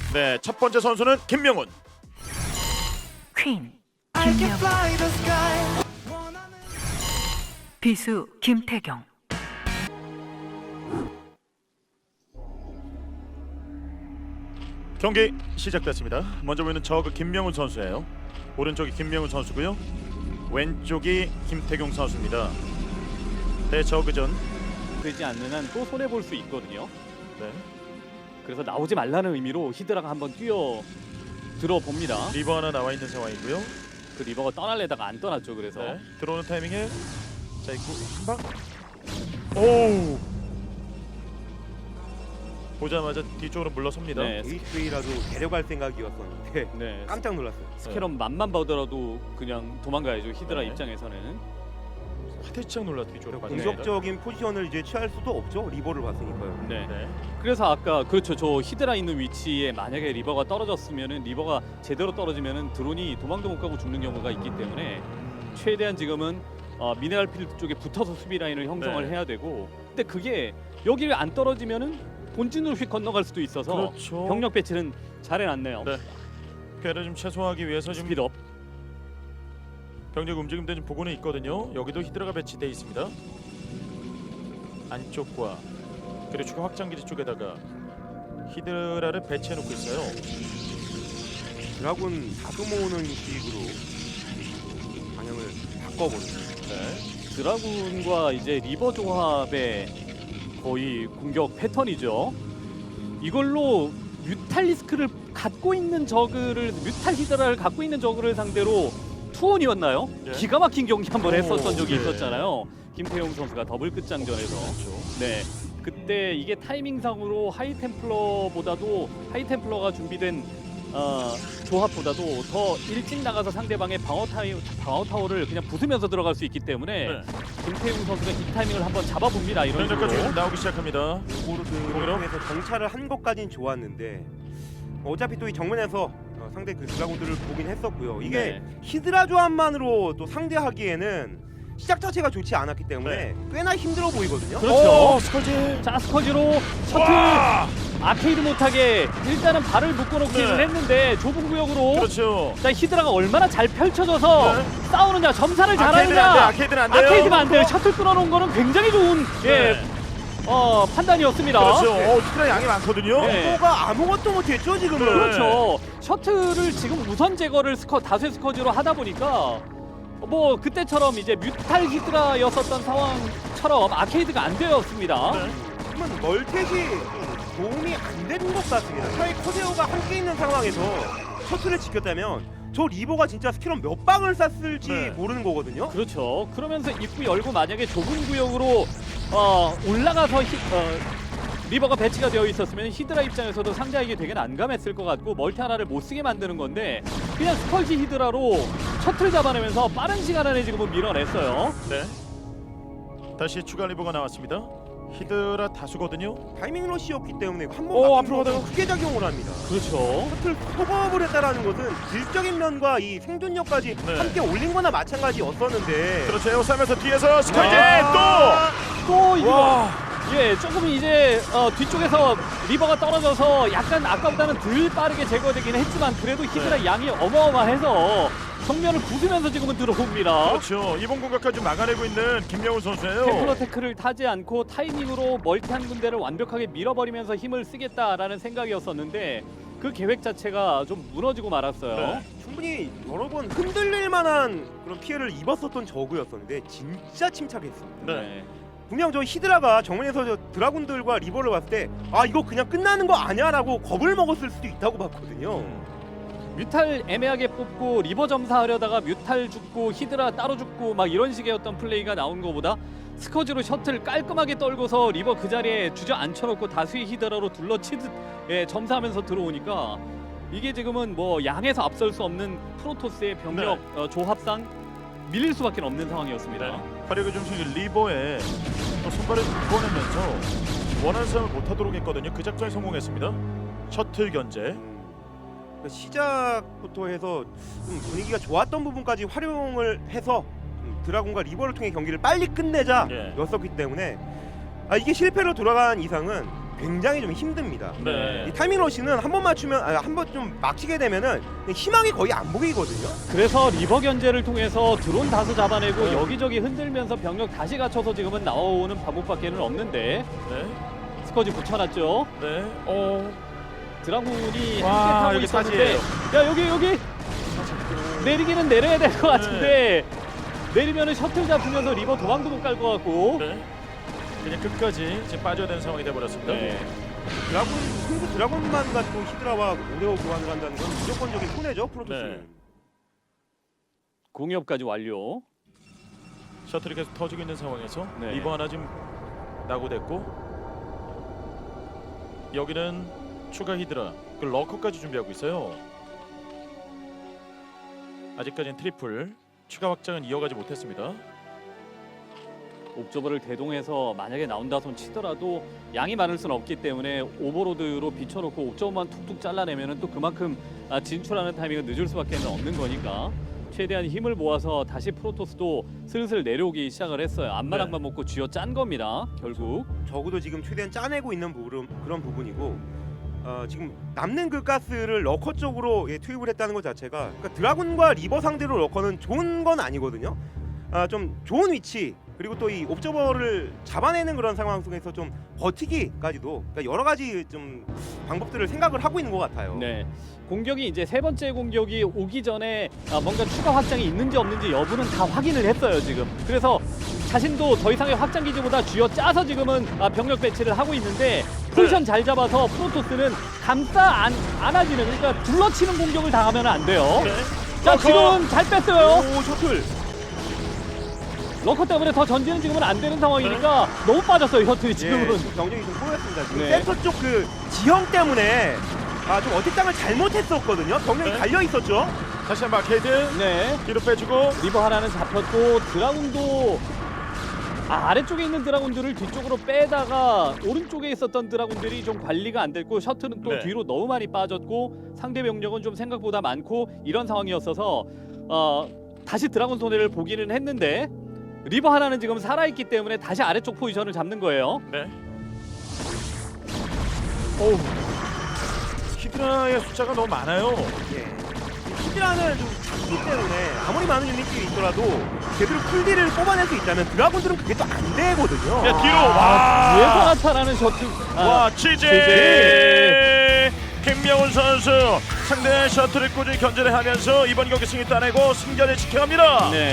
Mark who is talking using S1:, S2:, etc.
S1: 네, 첫 번째 선수는 김명훈.
S2: 퀸 김명훈, 비수 김태경.
S1: 경기 시작됐습니다. 먼저 보이는 저그 김명훈 선수예요. 오른쪽이 김명훈 선수고요. 왼쪽이 김태경 선수입니다. 네, 저그전.
S3: 되지 않는 한 또 손해 볼 수 있거든요.
S1: 네.
S3: 그래서 나오지 말라는 의미로 히드라가 한번 뛰어 들어봅니다.
S1: 리버 하나 나와 있는 상황이고요.
S3: 그 리버가 떠날래다가 안 떠났죠. 그래서
S1: 네. 들어오는 타이밍에 자, 있고 한 방. 오! 보자마자 뒤쪽으로 물러섭니다.
S3: 네,
S4: HV라도 데려갈 생각이었었는데
S3: 네.
S4: 깜짝 놀랐어요.
S3: 스캐럼 맛만 보더라도 그냥 도망가야죠. 히드라
S1: 네.
S3: 입장에서는.
S1: 화대창 놀라 뒤쪽으로
S4: 공격적인 포지션을 이제 취할 수도 없죠. 리버를 봤으니까요.
S3: 네.
S1: 네.
S3: 그래서 아까 그렇죠. 저 히드라 있는 위치에 만약에 리버가 떨어졌으면은 리버가 제대로 떨어지면은 드론이 도망도 못 가고 죽는 경우가 있기 때문에 최대한 지금은 미네랄 필드 쪽에 붙어서 수비 라인을 형성을
S1: 네.
S3: 해야 되고, 근데 그게 여기 안 떨어지면은 본진으로 휙 건너갈 수도 있어서
S1: 그렇죠.
S3: 병력 배치는 잘 해놨네요.
S1: 네. 피해를 좀 최소화하기 위해서 지금
S3: 스피드업.
S1: 병력 움직임도 좀 보고는 있거든요. 여기도 히드라가 배치돼 있습니다. 안쪽과 그리고 추가 확장기지 쪽에다가 히드라를 배치해 놓고 있어요.
S4: 드라군 다수 모으는 식으로 방향을 바꿔보는.
S1: 네.
S3: 드라군과 이제 리버 조합의 거의 공격 패턴이죠. 이걸로 뮤탈리스크를 갖고 있는 저그를, 뮤탈 히드라를 갖고 있는 저그를 상대로 투혼이었나요?
S1: 예.
S3: 기가 막힌 경기 한번
S1: 오,
S3: 했었던 적이
S1: 네.
S3: 있었잖아요. 김태용 선수가 더블 끝장전에서. 네. 그때 이게 타이밍상으로 하이템플러보다도 하이템플러가 준비된 조합보다도 더 일찍 나가서 상대방의 방어 타워를 그냥 부수면서 들어갈 수 있기 때문에
S1: 네.
S3: 김태용 선수가 이 타이밍을 한번 잡아봅니다. 이런
S1: 병력까지
S3: 식으로.
S1: 나오기 시작합니다.
S4: 오버로드를
S1: 공이로?
S4: 통해서 정찰을 한 것까진 좋았는데 어차피 또 이 정면에서 상대 그 드라군들을 보긴 했었고요. 이게
S3: 네.
S4: 히드라 조합만으로 또 상대하기에는 시작 자체가 좋지 않았기 때문에
S1: 네.
S4: 꽤나 힘들어 보이거든요.
S3: 그렇죠.
S1: 스컬지.
S3: 자, 스커지로 셔틀
S1: 와!
S3: 아케이드 못하게 일단은 발을 묶어놓기는
S1: 네.
S3: 했는데 좁은 구역으로.
S1: 그렇죠.
S3: 자, 히드라가 얼마나 잘 펼쳐져서
S1: 네.
S3: 싸우느냐, 점사를
S1: 아케이드는 안 돼.
S3: 잘하느냐.
S1: 아케이드는 안 돼요.
S3: 아케이드가 안 돼요. 셔틀 끊어놓은 거는 굉장히 좋은
S1: 네.
S3: 판단이었습니다.
S1: 그렇죠. 히드라 양이 많거든요.
S3: 네.
S4: 리버가 아무것도 못했죠 지금은.
S1: 네.
S3: 그렇죠. 셔틀을 지금 우선 제거를 다수의 스커지로 하다 보니까 뭐 그때처럼 이제 뮤탈 히드라였었던 상황처럼 아케이드가 안 되었습니다.
S1: 네.
S4: 지금은 멀텍이 도움이 안 되는 것 같습니다. 차라리 커세어가 함께 있는 상황에서 셔틀을 지켰다면 저 리버가 진짜 스킬런 몇 방을 쐈을지
S1: 네.
S4: 모르는 거거든요.
S3: 그렇죠. 그러면서 입구 열고 만약에 좁은 구역으로 올라가서 리버가 배치가 되어 있었으면 히드라 입장에서도 상대하기 되게 난감했을 것 같고 멀티 하나를 못 쓰게 만드는 건데 그냥 스컬지 히드라로 셔틀 잡아내면서 빠른 시간 안에 지금은 밀어냈어요.
S1: 네. 다시 추가 리버가 나왔습니다. 히드라 다수거든요.
S4: 타이밍 러시였기 때문에
S1: 오,
S4: 한번
S1: 앞으로 가다가
S4: 크게 작용을 합니다.
S3: 그렇죠.
S4: 셔틀 소급을 했다라는 것은 질적인 면과 이 생존력까지
S1: 네.
S4: 함께 올린 거나 마찬가지였었는데
S1: 그렇죠. 에어싸면서 뒤에서 스컬지
S3: 또
S1: 또.
S3: 이거
S1: 와.
S3: 예, 조금 이제 뒤쪽에서 리버가 떨어져서 약간 아까보다는 덜 빠르게 제거되긴 했지만 그래도 히드라 양이 어마어마해서 정면을 부수면서 지금은 들어옵니다.
S1: 그렇죠. 이번 공격까지 막아내고 있는 김명훈 선수예요.
S3: 템플러 태클을 타지 않고 타이밍으로 멀티 한 군데를 완벽하게 밀어버리면서 힘을 쓰겠다라는 생각이었었는데 그 계획 자체가 좀 무너지고 말았어요.
S1: 네.
S4: 충분히 여러 번 흔들릴 만한 그런 피해를 입었었던 저그였었는데 진짜 침착했습니다.
S1: 네.
S4: 분명 저 히드라가 정면에서 저 드라군들과 리버를 봤을 때 아 이거 그냥 끝나는 거 아니야라고 겁을 먹었을 수도 있다고 봤거든요.
S3: 뮤탈 애매하게 뽑고 리버 점사하려다가 뮤탈 죽고 히드라 따로 죽고 막 이런 식의 어떤 플레이가 나온 것보다 스커지로 셔틀 깔끔하게 떨고서 리버 그 자리에 주저앉혀놓고 다수의 히드라로 둘러치듯 점사하면서 들어오니까 이게 지금은 뭐 양에서 앞설 수 없는 프로토스의 병력 조합상 밀릴 수밖에 없는 상황이었습니다.
S1: 네. 화력의 중심이 리버에 또 손발을 구워내면서 원하는 싸움을 못하도록 했거든요. 그 작전에 성공했습니다. 셔틀 견제.
S4: 그 시작부터 해서 좀 분위기가 좋았던 부분까지 활용을 해서 드라군과 리버를 통해 경기를 빨리 끝내자
S1: 예.
S4: 였었기 때문에 이게 실패로 돌아간 이상은 굉장히 좀 힘듭니다.
S1: 네.
S4: 이 타이밍 러시는 한 번 맞추면 한 번 좀 막히게 되면은 희망이 거의 안 보이거든요.
S3: 그래서 리버 견제를 통해서 드론 다수 잡아내고
S1: 네.
S3: 여기저기 흔들면서 병력 다시 갖춰서 지금은 나오는 방법밖에는 없는데
S1: 네.
S3: 스커지 붙여놨죠.
S1: 네.
S3: 드라군이
S1: 와,
S3: 함께 타고
S1: 여기
S3: 있었는데
S1: 사지예요.
S3: 야 여기 내리기는 내려야 될 것 같은데 내리면은 셔틀 잡히면서 리버 도망도 못 갈 것 같고
S1: 네. 그냥 끝까지 지금 빠져야 되는 상황이 돼버렸습니다.
S3: 네.
S4: 드라군만 갖고 히드라와 오레오 교환을 한다는 건 무조건적인 손해죠, 프로토스는.
S1: 네.
S3: 공이업까지 완료.
S1: 셔틀이 계속 터지고 있는 상황에서
S3: 네.
S1: 리버 하나 지금 낙오됐고 여기는 추가 히드라 그 러커까지 준비하고 있어요. 아직까지는 트리플 추가 확장은 이어가지 못했습니다.
S3: 옵저버를 대동해서 만약에 나온다 손 치더라도 양이 많을 수는 없기 때문에 오버로드로 비춰놓고 옵저버만 툭툭 잘라내면은 또 그만큼 진출하는 타이밍은 늦을 수밖에 없는 거니까 최대한 힘을 모아서 다시 프로토스도 슬슬 내려오기 시작을 했어요. 앞마당만 먹고 쥐어 짠 겁니다. 결국
S4: 적어도 지금 최대한 짜내고 있는 그런 부분이고 지금 남는 그 가스를 러커 쪽으로 투입을 했다는 것 자체가 그러니까 드라군과 리버 상대로 러커는 좋은 건 아니거든요. 좀 좋은 위치 그리고 또 이 옵저버를 잡아내는 그런 상황 속에서 좀 버티기까지도 그러니까 여러 가지 좀 방법들을 생각을 하고 있는 것 같아요.
S3: 네. 공격이 이제 세 번째 공격이 오기 전에 뭔가 추가 확장이 있는지 없는지 여부는 다 확인을 했어요 지금. 그래서 자신도 더 이상의 확장 기지보다 쥐어 짜서 지금은 병력 배치를 하고 있는데 포지션 잘 잡아서 프로토스는 감싸 안아지는 그러니까 둘러치는 공격을 당하면 안 돼요.
S1: 네.
S3: 자 지금은 잘 뺐어요.
S4: 오 셔틀.
S3: 러커 때문에 더 전진은 지금은 안 되는 상황이니까 너무 빠졌어요 셔틀이 지금은.
S4: 지금 병력이 좀 꼬였습니다. 지금
S3: 네.
S4: 센터 쪽 그 지형 때문에 좀 어택당을 잘못했었거든요. 병력이
S1: 네.
S4: 갈려 있었죠.
S1: 다시 한번 마케이드
S3: 네.
S1: 뒤로 빼주고
S3: 리버 하나는 잡혔고 드라군도 아래쪽에 있는 드라군들을 뒤쪽으로 빼다가 오른쪽에 있었던 드라군들이 좀 관리가 안 됐고 셔틀은 또
S1: 네.
S3: 뒤로 너무 많이 빠졌고 상대 병력은 좀 생각보다 많고 이런 상황이었어서 다시 드라군 손해를 보기는 했는데 리버 하나는 지금 살아있기 때문에 다시 아래쪽 포지션을 잡는 거예요.
S1: 네. 오 히드라의 숫자가 너무 많아요.
S4: 예. 히드라는 좀 작기 때문에 아무리 많은 유닛들이 있더라도 제대로 풀딜을 뽑아낼 수 있다면 드라군들은 그게 또 안 되거든요.
S1: 야 뒤로 와.
S3: 뒤에서 나타나는 셔틀.
S1: 와 취재 김명훈 선수 상대 셔틀을 꾸준히 견제를 하면서 이번 경기 승리 따내고 승자를 지켜갑니다.
S3: 네.